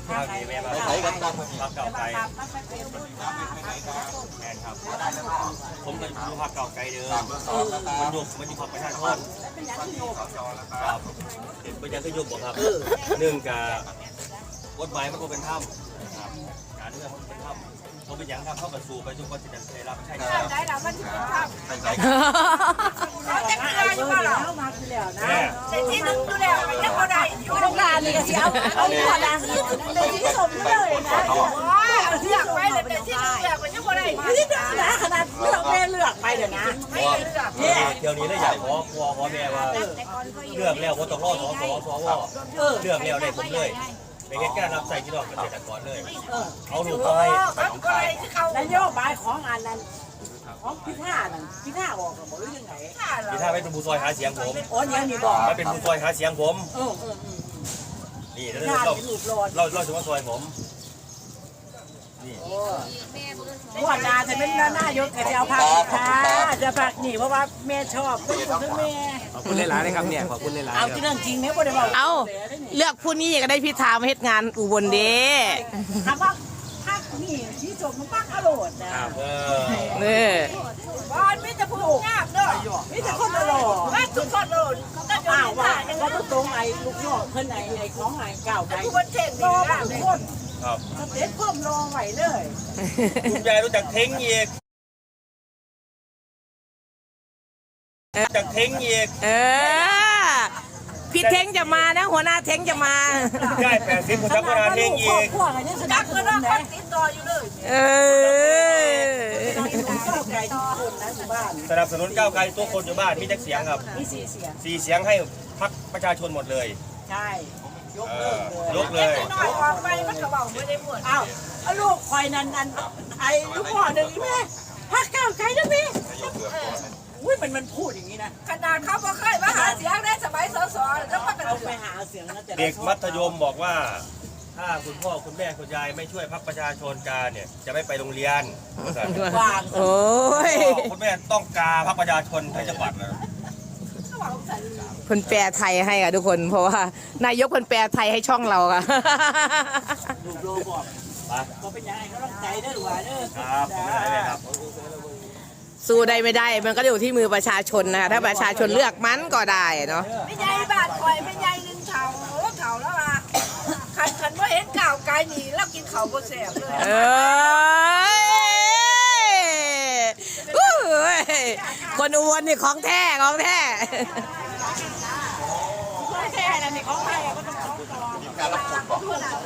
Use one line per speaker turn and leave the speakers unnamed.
ข้าวดีแม่มา
ใส่กันตั้ง
พักเก่าไกลแม่ครับผมก็ดูพักเก่าไกลเดิมมันยุบมันยุบพักประชาชนครับเป็นยังก็ยุบบ่ครับหนึ่งกับกฎหมายมันก็เป็นถ้ำครับการเมืองมันเป็นถ้ำเขาเป็นยังครับเข้ากับสู่ไปทุกคนจะได้รับใช่ไหมครับ
ได้แล้วมันถึงภาพ
ใส่
เราจะกินอะไรอยู่บ้างล่ะแต่ที่นึงดูแล้วมันยังพอได้อยู่โรงงานนี่ก็สิเอาหัวดางขึ้นเป็นที่สมเลยนะโอ้ยเลือกไปเลยแต่ที่นึงเลือกมันยังพอได้ที่นึงนะขนาดเลือกแม่เลือกไปเดี๋ยวนะไม่เลือก
เดี๋ยวนี้เลยอยากขอแม่ว่าเลือกแล้วว่าต้องรอสวเลือกแล้วได้ผมเลยไปแค่การรับใส่ที่ดอกเกษตรกรเลยเอาหนูไป
นโยบายของอันนั้นของพิธานั่นพิธาบอกกับบอกเรื่องไหน
ที่ถ้าไม่เป็นผู้ซอยหาเสียงผม
โอ้ยยังมีบอก
ไม่เป็นผู้ซอยหาเสียงผมนี่แล้วเราจะมาซอยผมนี่
หัวหน้าจะเป็นหน้ายกจะเอาผักค่ะจะผักหนีเพราะว่าแม่ชอบเป็นคนแม่
ขอบคุณหลายๆเลยครับเนี่ยขอบคุณหลายๆ
เอาที่เรื่องจริงเนี่ยบ่ได้บอก
เอาเลือกผู้นี้ก็ได้พิธามาเฮ็ดงานอุบลเด้
ถามว่าผักนี่ที่จบมันปักอร่อยนะ
เนี่ย
บ้านไม่จะพูดงามเด้อไม่จะคนอร่อยว่าทุกคนอร่อยก็อ้าวว่าก็ต้องตรงไอ้ลูกน้องเพิ่นไอ้ของไอ้เก่าไอ้คนเทศรอบางคน
ครับ
สเต็ปเพิ่มรอไหวเลย
คุณยายรู้จักเท้งอีกจากเท้งอีก
พี่เท้งจะมานะหัวหน้าเท้งจะมา
ได้80คนจักรวาลเท้งอีก
พวกอันนี้สนับสนุนนะติดต่ออยู่เลย ไก่ทุกคนนะอยู่บ้าน
สนับสนุนก้าวไกลตัวคนอยู่บ้านมีจักเสียงครับ
มี4 เสียง
4 เสียงให้พรรคประชาชนหมดเลย
ใช่ยก
เลย
น้อยออกไปมันก็เบาไม่ได้หมดอ้าวลูกคอยนั่นไอ้ลูกพ่อหนึ่งแม่พักก้าวไกลนะพี่อุ้ยมันพูดอย่างนี้นะขนาดเขาบ่เคยมาหาเสียงได้สมัยสสแล้วก็เอาไปหาเสียงนะแต่
เด็กมัธยมบอกว่า ถ้าคุณพ่อคุณแม่คุณยายไม่ช่วยพรรคประชาชนการเนี่ยจะไม่ไปโรงเรียน
ว่าง
โอ้ย
คุณแม่ต้องกาพรรคประชาชนให้จังหวัดนะ
เพิ่นแปลไทยให้ค่ะทุกคนเพราะว่านายกเพิ่นแปลไทยให้ช่องเราค่ะ
ลูกโลบอกเขาเป็นยังไงเขาต้องใจได้หรือว่าเด้อ
ครับผมไม่ได้ครับ
สู้ได้ไม่ได้มันก็อยู่ที่มือประชาชนนะคะถ้าประชาชนเลือกมันก็ได้เนาะ
ไม่ใหญ่บาดคอยไม่ใหญ่นึงเข่าแล้วอ่ะขันว่าเห็นก่าวกายหนีแล้วกินเข่าบ่แสบเลย
คนอุบลนี่ของแท้ของแท้
แค่นั้นนี่ของใครก็ต้องของต่อ
การรับผลบอก